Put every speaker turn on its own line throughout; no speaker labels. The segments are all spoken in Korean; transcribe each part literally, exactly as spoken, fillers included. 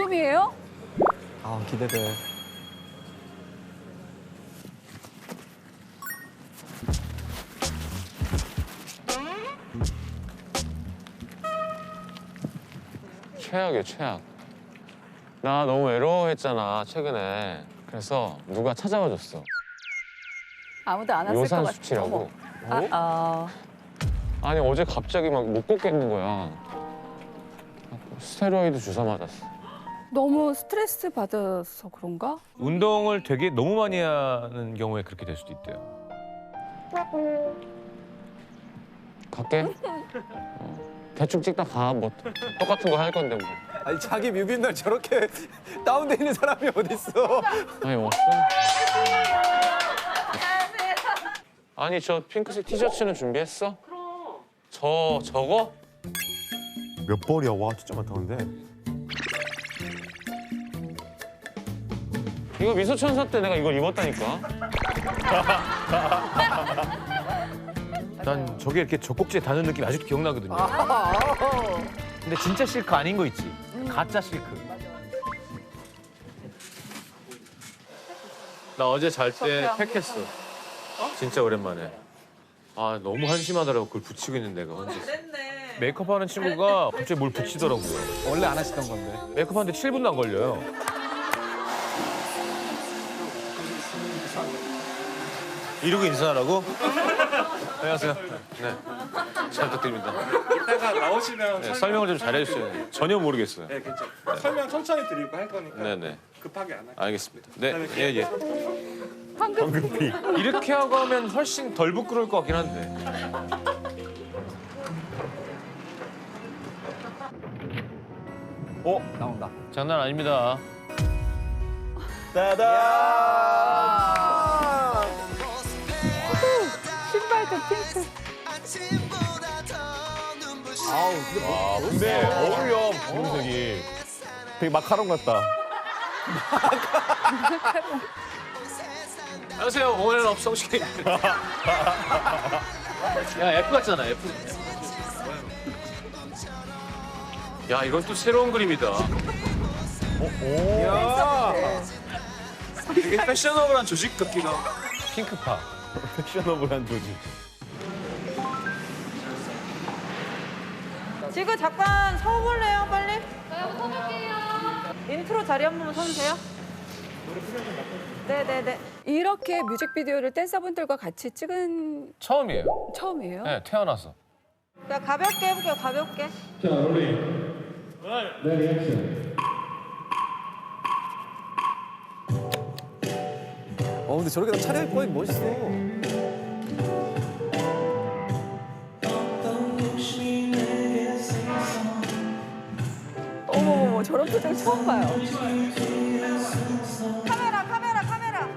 여름이에요?
아, 기대돼.
최악이야, 최악. 나 너무 외로워했잖아, 최근에. 그래서 누가 찾아와 줬어.
아무도 안 왔을 것
요산
같아.
수치라고.
아, 아.
아니, 어제 갑자기 막 못 걷겠는 거야. 스테로이드 주사 맞았어.
너무 스트레스 받아서 그런가?
운동을 되게 너무 많이 하는 경우에 그렇게 될 수도 있대요.
갈게. 어. 대충 찍다 가. 뭐 똑같은 거 할 건데 뭐.
아니, 자기 뮤비 날 저렇게 다운돼 있는 사람이 어딨어.
아니, 없어. 아니, 저 핑크색 티셔츠는 준비했어? 그럼. 저, 저거?
몇 벌이야? 와, 진짜 많다, 근데.
이거 미소천사 때 내가 이걸 입었다니까.
난 저게 이렇게 젖꼭지에 닿는 느낌이 아직도 기억나거든요. 근데 진짜 실크 아닌 거 있지? 가짜 실크. 나 어제 잘 때 팩했어. 진짜 오랜만에. 아, 너무 한심하더라고, 그걸 붙이고 있는 내가 혼자. 메이크업 하는 친구가 갑자기 뭘 붙이더라고요.
원래 안 하시던 건데.
메이크업 하는데 칠 분도 안 걸려요. 이러고 인사하라고? 안녕하세요. 네. 잘 부탁드립니다.
이따가 나오시면
네,
설명,
설명을 좀 잘해주세요. 전혀 모르겠어요.
네, 괜찮아요. 설명 천천히 드리고 할 거니까
네네.
급하게 안 할게요.
알겠습니다. 네, 예, 예.
황금피.
이렇게 하고 하면 훨씬 덜 부끄러울 것 같긴 한데.
어, 나온다.
장난 아닙니다.
따단!
신발도 핑크.
아우, 근데 뭐,
아, 근데 어울려, 분색이.
되게 마카롱 같다.
안녕하세요. 오늘은 업성식. 야, F 같잖아, F. 야, 이건 또 새로운 그림이다.
야,
되게 패셔너블한 조직 같기도 하고.
핑크파.
패셔너블한 조직.
지금 잠깐 서볼래요, 빨리? 저요, 서볼게요. 인트로 자리 한 번만 서주세요. 네네네.
이렇게 뮤직비디오를 댄서분들과 같이 찍은
처음이에요.
처음이에요?
네, 태어나서.
자, 가볍게 해볼게요, 가볍게.
어, 근데 저렇게 다 차려입고 하니 멋있어.
어머머머, 저런 표정 처음 봐요.
카메라, 카메라, 카메라.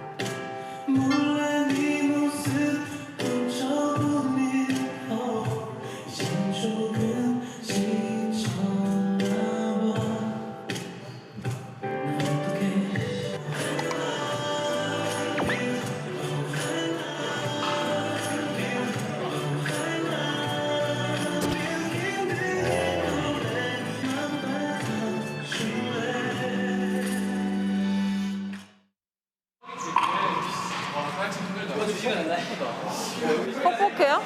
퍽퍽해요?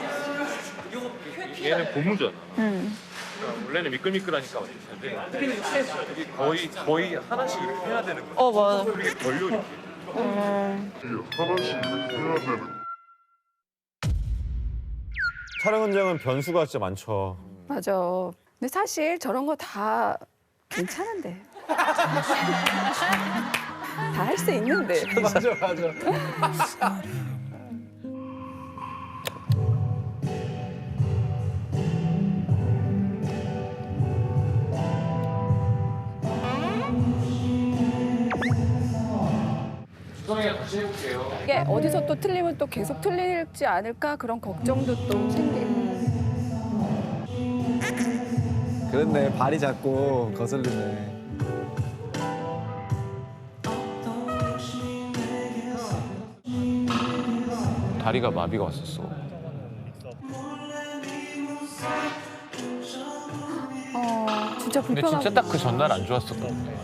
얘는 고무잖아. 그러니까 원래는 미끌미끌하니까 괜찮은데 이게 거의 거의 하나씩 이렇게 해야 되는 거야.
어, 맞아.
이게 걸려 이렇게.
촬영 현장은 변수가 진짜 많죠.
맞아. 근데 사실 저런 거 다 괜찮은데. 다 할 수 있는데.
맞아, 맞아.
수정이랑 같이 해볼게요.
이게 어디서 또 틀리면 또 계속 틀리지 않을까 그런 걱정도 또 생기고.
그렇네, 발이 자꾸 거슬리네.
다리가 마비가 왔었어.
어, 진짜
근데
불편하고.
진짜 딱 그 전날 안 좋았었거든.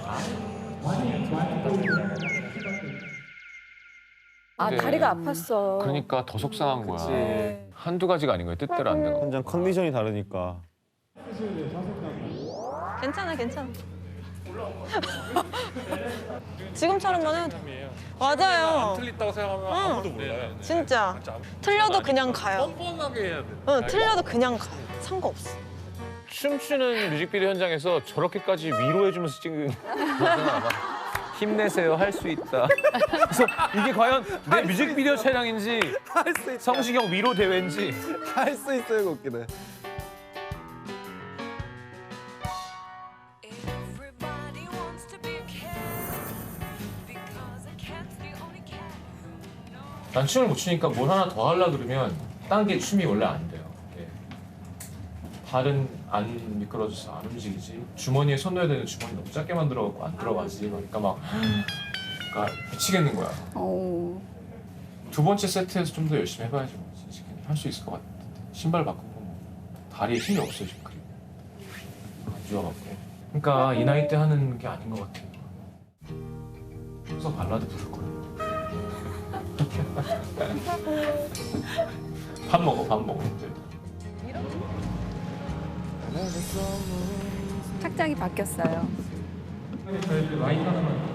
아,
근데-
다리가 아팠어.
그러니까 더 속상한 거야.
네.
한두 가지가 아닌 거야. 뜻대로 안 되고.
현장 컨디션이 다르니까.
괜찮아, 괜찮아. 지금처럼만 해도 돼. 맞아요.
틀렸다고 생각하면
아무도
몰라요.
진짜. 틀려도 그냥 가요.
뻔뻔하게 해야 돼.
응, 틀려도 그냥 가요. 상관없어.
춤추는 뮤직비디오 현장에서 저렇게까지 위로해주면서 찍은 거구나, 아마. 힘내세요, 할 수 있다. 그래서 이게 과연 내 뮤직비디오 촬영인지
할 수 있어.
성시경 위로 대회인지.
할 수 있어요, 그 웃기네.
Everybody wants to be a cat because a cat's the only cat who knows.
난 춤을 못 추니까 뭘 하나 더 하려 그러면 딴 게 춤이 원래 안 돼요. 이게 발은 안 미끄러져서 안 움직이지. 주머니에 손 넣어야 되는 주머니 너무 작게 만들어갖고 안 들어가지. 그러니까 막 그러니까 미치겠는 거야.
어.
두 번째 세트에서 좀 더 열심히 해봐야지. 뭐. 할 수 있을 것 같아. 신발 바꾸고 뭐. 다리에 힘이 없어 지금. 그리고 안 좋아갖고. 그러니까 이 나이 때 하는 게 아닌 것 같아. 그래서 발라드 부를 거야. 밥 먹어, 밥 먹어.
착장이 바뀌었어요.
라인 하나만.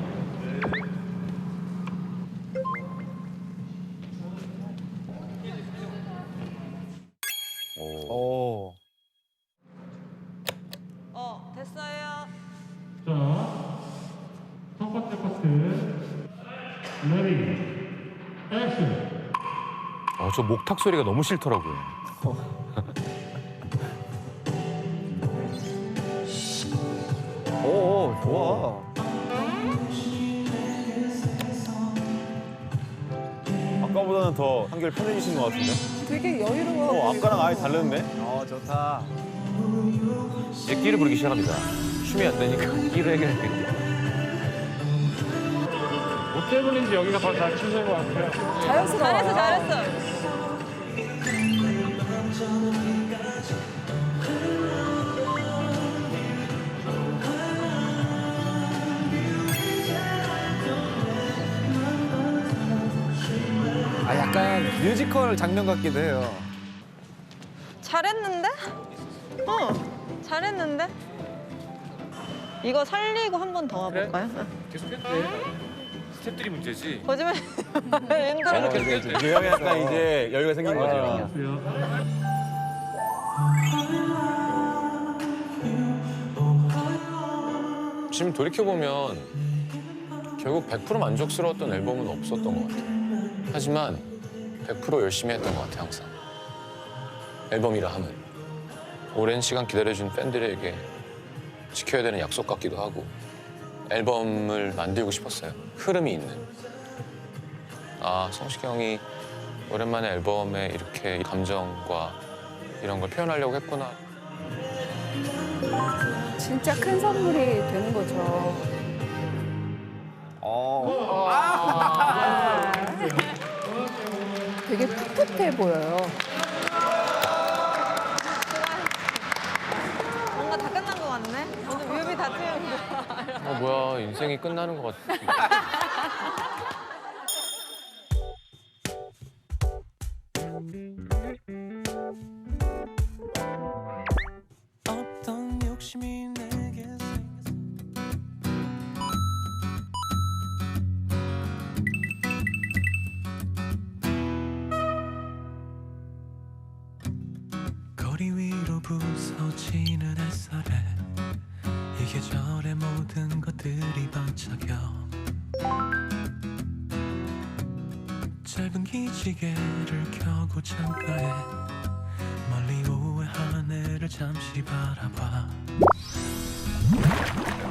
오.
어, 됐어요.
첫 번째 파트 레디 액션.
아, 저 목탁 소리가 너무 싫더라고요.
오, 오, 좋아.
아까보다는 더 한결 편해지신 것 같은데?
되게 여유로워.
어, 아까랑 아예 다른데?
어, 좋다.
이제 끼를 부르기 시작합니다. 춤이 안 되니까 끼를 해결해야 돼.
뭐 때문인지 여기가 더 잘 추는 것 같아요.
자연스러워.
잘했어, 잘했어.
아, 약간 뮤지컬 장면 같기도 해요.
잘했는데? 어, 잘했는데? 이거 살리고 한 번 더 와볼까요? 응.
계속 해도 돼. 스텝들이 문제지.
거짓말. 힘들어.
저는 계속 해도 돼.
이게 형이 약간 이제 여유가 생긴 거죠.
지금 돌이켜보면 결국 백 퍼센트 만족스러웠던 앨범은 없었던 것 같아요. 하지만 백 퍼센트 열심히 했던 것 같아요, 항상. 앨범이라 하면. 오랜 시간 기다려준 팬들에게 지켜야 되는 약속 같기도 하고 앨범을 만들고 싶었어요. 흐름이 있는. 아, 성시경이 오랜만에 앨범에 이렇게 감정과 이런 걸 표현하려고 했구나.
진짜 큰 선물이 되는 거죠.
어.
되게 풋풋해 보여요.
뭔가 다 끝난 것 같네? 오늘 뮤비 다 찍은 거.
어, 뭐야, 인생이 끝나는 것 같아.
어떤 욕심이 내게 생겼어. 거리 위로 부서지는 햇살에 이 계절의 모든 것들이 반짝여. 짧은 기지개를 켜고 창가에 멀리 오해 하늘을 잠시 바라봐.